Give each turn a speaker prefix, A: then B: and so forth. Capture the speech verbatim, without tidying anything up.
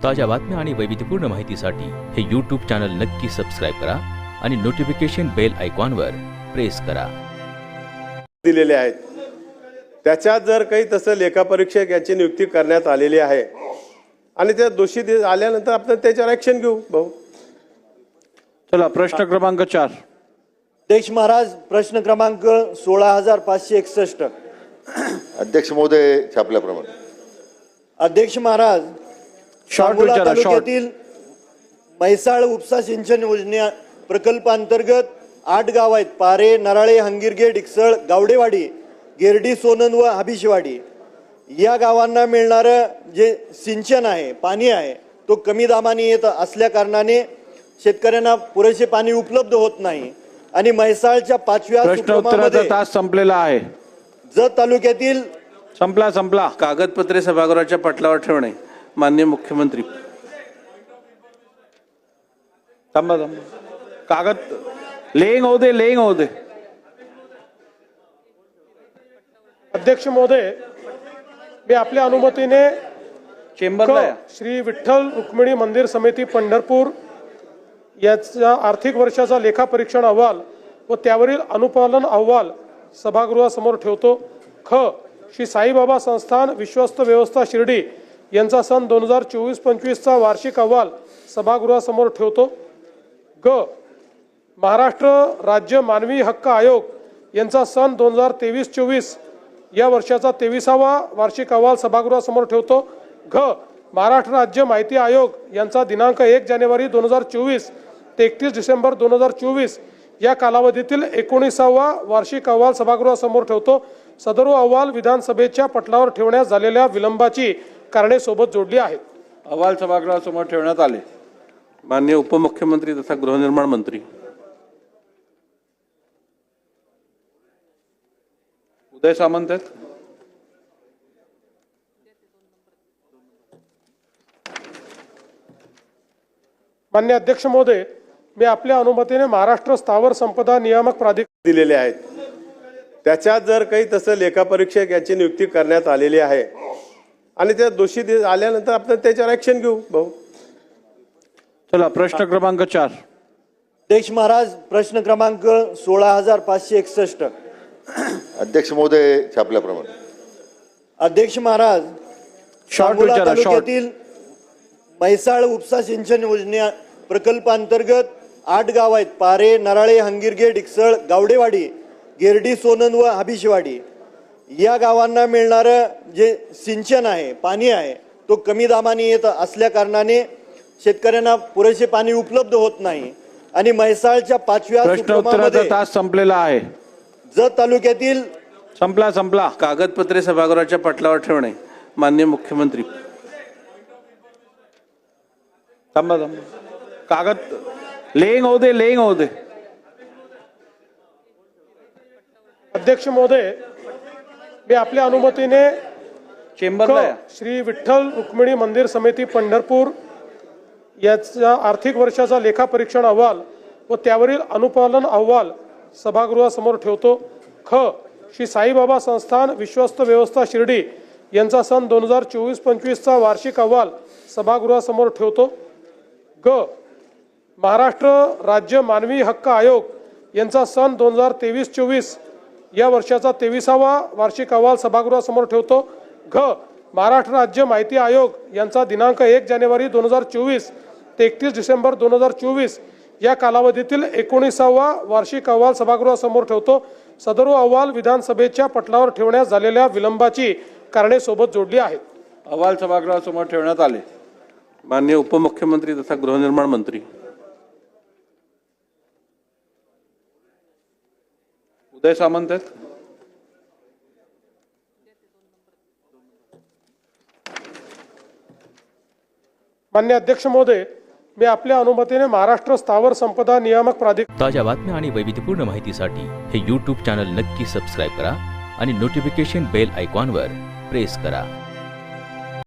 A: ताज्या बातम्या आणि वैविध्यपूर्ण माहितीसाठी हे यूट्यूब चॅनल नक्की सबस्क्राइब करा आणि नोटिफिकेशन बेल आयकॉनवर प्रेस करा.
B: दिलेले आहेत त्याच्यात जर काही तसं लेखापरीक्षक याची नियुक्ती करण्यात आलेली आहे आणि त्या दोषी आल्यानंतर आपण त्याच्यावर ऍक्शन घेऊ. भाऊ
C: चला प्रश्न क्रमांक चार.
D: अध्यक्ष महाराज प्रश्न क्रमांक सोळा हजार पाचशे एकसष्ट.
E: अध्यक्ष महोदय छापल्याप्रमाणे.
D: अध्यक्ष महाराज
C: शॉर्ट
D: सांगोला
C: विचारा, शॉर्ट.
D: तालुक्यातील म्हैसाळ उपसा सिंचन योजना प्रकल्पांतर्गत आठ गाव आहेत. पारे, नराळे, हंगिरगे, डिकसळ, गावडेवाडी, गिरडी, सोनन व हबिशवाडी. या गावांना मिळणारं जे सिंचन आहे, पाणी आहे, तो कमी दाबाने येत असल्या कारणाने शेतकऱ्यांना पुरेसे पाणी उपलब्ध होत नाही आणि म्हैसाळच्या पाचव्या
C: प्रश्न उत्तराचा
D: उपक्रमामध्ये
C: तास संपलेला आहे.
D: जत तालुक्यातील
C: संपला संपला.
F: कागदपत्रे सभागृहाच्या पटलावर ठेवणे. माननीय मुख्यमंत्री.
C: थांबा थांबा. कागद लेंग होऊ दे, लेंग होऊ दे.
G: अध्यक्ष महोदय, मी आपल्या अनुमतीने
C: चेंबरला या.
G: श्री विठ्ठल रुक्मिणी मंदिर समिती पंढरपूर याचा आर्थिक वर्षाचा लेखापरीक्षण अहवाल व त्यावरील अनुपालन अहवाल सभागृहासमोर ठेवतो. ख. श्री साईबाबा संस्थान विश्वस्त व्यवस्था शिर्डी यांचा सन दोन हजार चोवीस पंचवीसचा वार्षिक अहवाल सभागृहासमोर ठेवतो. ग. महाराष्ट्र राज्य मानवी हक्क आयोग यांचा सन दोन हजार तेवीस चोवीस या वर्षाचा तेविसावा वार्षिक अहवाल सभागृहासमोर ठेवतो. घ. महाराष्ट्र राज्य माहिती आयोग यांचा दिनांक एक जानेवारी दोन हजार चोवीस ते एकतीस डिसेंबर दोन हजार चोवीस या कालावधीतील एकोणीसावा वार्षिक अहवाल सभागृहासमोर ठेवतो. सदर अहवाल विधानसभेच्या पटलावर ठेवण्यास झालेल्या विलंबाची कारणे सोबत जोडली आहेत.
F: अहवाल सभागृहासमोर ठेवण्यात आले. माननीय उपमुख्यमंत्री तथा गृहनिर्माण मंत्री उदय सामंत आहेत.
G: माननीय अध्यक्ष महोदय, मी आपल्या अनुमतीने महाराष्ट्र स्थावर संपदा नियामक प्राधिकरण
B: दिलेले आहेत त्याच्यात जर काही तसं लेखापरीक्षक याची नियुक्ती करण्यात आलेली आहे आणि त्या दोषी आल्यानंतर आपण त्याच्यावर ऍक्शन घेऊ. भाऊ
C: चला प्रश्न क्रमांक चार.
D: अध्यक्ष महाराज प्रश्न क्रमांक सोळा हजार पाचशे एकसष्ट.
E: अध्यक्ष महोदय छापल्याप्रमाणे.
D: अध्यक्ष महाराज
C: शॉर्ट
D: सांगोला
C: विचारा, शॉर्ट.
D: तालुक्यातील म्हैसाळ उपसा सिंचन योजना प्रकल्पांतर्गत आठ गाव आहेत. पारे, नराळे, हंगिरगे, डिकसळ, गावडेवाडी, गिरडी, सोनन व हबिशवाडी. या गावांना मिळणारं जे सिंचन आहे, पाणी आहे, तो कमी दाबाने येत असल्या कारणाने शेतकऱ्यांना पुरेसे पाणी उपलब्ध होत नाही आणि म्हैसाळच्या पाचव्या
C: प्रश्न उत्तराचा
D: उपक्रमामध्ये
C: तास संपलेला आहे.
D: जत तालुक्यातील
C: संपला संपला.
F: कागदपत्रे सभागृहाच्या पटलावर ठेवणे. माननीय मुख्यमंत्री.
C: थांबा थांबा. कागद लेंग होऊ दे, लेंग होऊ दे.
G: अध्यक्ष महोदय, मी आपल्या अनुमतीने
C: चेंबरला या.
G: श्री विठ्ठल रुक्मिणी मंदिर समिती पंढरपूर याचा आर्थिक वर्षाचा लेखापरीक्षण अहवाल व त्यावरील अनुपालन अहवाल सभागृहासमोर ठेवतो. ख. श्री साईबाबा संस्थान विश्वस्त व्यवस्था शिर्डी यांचा सन दोन हजार चोवीस पंचवीसचा वार्षिक अहवाल सभागृहासमोर ठेवतो. ग. महाराष्ट्र राज्य मानवी हक्क आयोग यांचा सन दोन हजार तेवीस चोवीस या वर्षाचा तेविसावा वार्षिक अहवाल सभागृहासमोर ठेवतो. घ. महाराष्ट्र राज्य माहिती आयोग यांचा दिनांक एक जानेवारी दोन हजार चोवीस ते एकतीस डिसेंबर दोन हजार चोवीस या कालावधीतील एकोणीसावा वार्षिक अहवाल सभागृहासमोर ठेवतो. सदर अहवाल विधानसभेच्या पटलावर ठेवण्यास झालेल्या विलंबाची कारणे सोबत जोडली आहेत.
F: अहवाल सभागृहासमोर ठेवण्यात आले. माननीय उपमुख्यमंत्री तथा गृहनिर्माण मंत्री उदय सामंत आहेत.
G: माननीय अध्यक्ष महोदय, मी आपल्या अनुमतीने महाराष्ट्र स्थावर संपदा नियामक प्राधिकरण
A: ताज्या बातम्या आणि वैविध्यपूर्ण माहितीसाठी हे यूट्यूब चॅनल नक्की सबस्क्राइब करा आणि नोटिफिकेशन बेल आयकॉनवर प्रेस करा.